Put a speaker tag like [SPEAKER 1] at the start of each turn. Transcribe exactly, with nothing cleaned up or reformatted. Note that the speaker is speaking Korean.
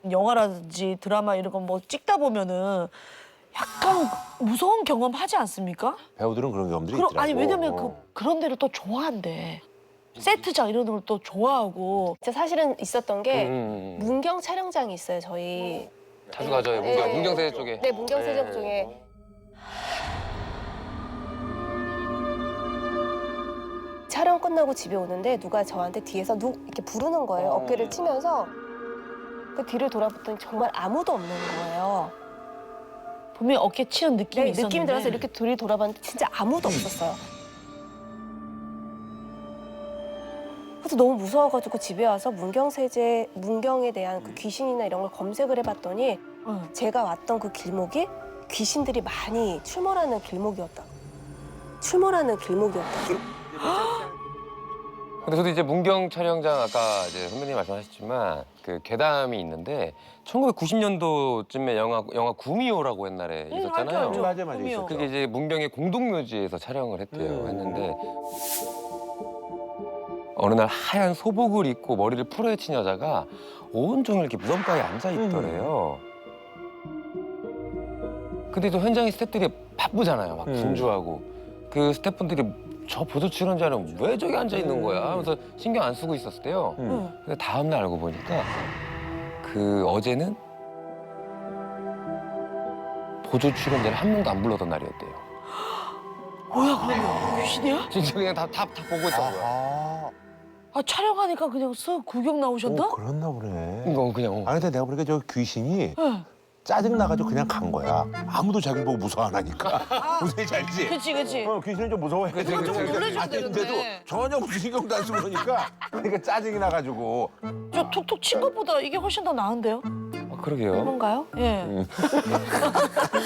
[SPEAKER 1] 영화라든지 드라마 이런 거 뭐 찍다 보면은 약간 무서운 경험 하지 않습니까?
[SPEAKER 2] 배우들은 그런 경험들이
[SPEAKER 1] 그럼,
[SPEAKER 2] 있더라고.
[SPEAKER 1] 아니 왜냐면 그,
[SPEAKER 2] 어.
[SPEAKER 1] 그런 데를 또 좋아한대. 세트장 이런 걸 또 좋아하고.
[SPEAKER 3] 진짜 사실은 있었던 게
[SPEAKER 4] 음.
[SPEAKER 3] 문경 촬영장이 있어요, 저희.
[SPEAKER 4] 자주 가죠, 문경,
[SPEAKER 3] 네.
[SPEAKER 4] 문경세제 쪽에.
[SPEAKER 3] 네, 문경세적
[SPEAKER 4] 네.
[SPEAKER 3] 쪽에. 촬영 끝나고 집에 오는데 누가 저한테 뒤에서 누 이렇게 부르는 거예요. 어깨를 치면서. 그 뒤를 돌아봤더니 정말 아무도 없는 거예요.
[SPEAKER 1] 분명히 어깨 치는 느낌이
[SPEAKER 3] 네,
[SPEAKER 1] 있었는데.
[SPEAKER 3] 느낌이 들어서 이렇게 둘이 돌아봤는데 진짜 아무도 없었어요. 그래서 너무 무서워가지고 집에 와서 문경세제, 문경에 대한 그 귀신이나 이런 걸 검색을 해봤더니
[SPEAKER 1] 응.
[SPEAKER 3] 제가 왔던 그 길목이 귀신들이 많이 출몰하는 길목이었다. 출몰하는 길목이었다.
[SPEAKER 4] 근데 저도 이제 문경 촬영장 아까 이제 선배님 말씀하셨지만 그 괴담이 있는데 천구백구십 년도쯤에 영화 영화 구미호라고 옛날에
[SPEAKER 1] 응,
[SPEAKER 4] 있었잖아요.
[SPEAKER 1] 알죠, 알죠.
[SPEAKER 2] 맞아 맞아
[SPEAKER 1] 꿈이요.
[SPEAKER 2] 있었죠.
[SPEAKER 4] 그게 이제 문경의 공동묘지에서 촬영을 했대요.
[SPEAKER 2] 음.
[SPEAKER 4] 했는데 어느 날 하얀 소복을 입고 머리를 풀어헤친 여자가 온종일 이렇게 무덤가에 앉아 있더래요. 근데 또 현장의 스태프들이 바쁘잖아요. 막
[SPEAKER 2] 음.
[SPEAKER 4] 분주하고 그 스태프분들이 저 보조 출연자는 왜 저기 앉아 있는 거야? 하면서 신경 안 쓰고 있었대요.
[SPEAKER 2] 음.
[SPEAKER 1] 응.
[SPEAKER 4] 근데 다음 날 알고 보니까 그 어제는 보조 출연자를 한 명도 안 불러던 날이었대요.
[SPEAKER 1] 뭐야 그러면 귀신이야?
[SPEAKER 4] 진짜 그냥 다 다 다 보고 있던 거야.
[SPEAKER 2] 아,
[SPEAKER 1] 아 촬영하니까 그냥 쓱 구경 나오셨나?
[SPEAKER 2] 오, 그랬나 보네.
[SPEAKER 4] 이거 그냥 어.
[SPEAKER 2] 아 근데 내가 보니까 저 귀신이
[SPEAKER 1] 응.
[SPEAKER 2] 짜증 나가지고 그냥 간 거야. 아무도 자기 보고 무서워 안 하니까. 무슨 알지?
[SPEAKER 1] 그치 그치.
[SPEAKER 2] 어, 귀신은 좀 무서워해.
[SPEAKER 4] 그치, 그치, 그치.
[SPEAKER 1] 놀래줘야
[SPEAKER 2] 아닌데도
[SPEAKER 1] 되는데.
[SPEAKER 2] 전혀 무슨 신경도 안 쓰고 그러니까 그러니까 짜증이 나가지고.
[SPEAKER 1] 저 툭툭 친 것보다 이게 훨씬 더 나은데요?
[SPEAKER 4] 아, 그러게요.
[SPEAKER 1] 그런가요? 예.
[SPEAKER 2] 음.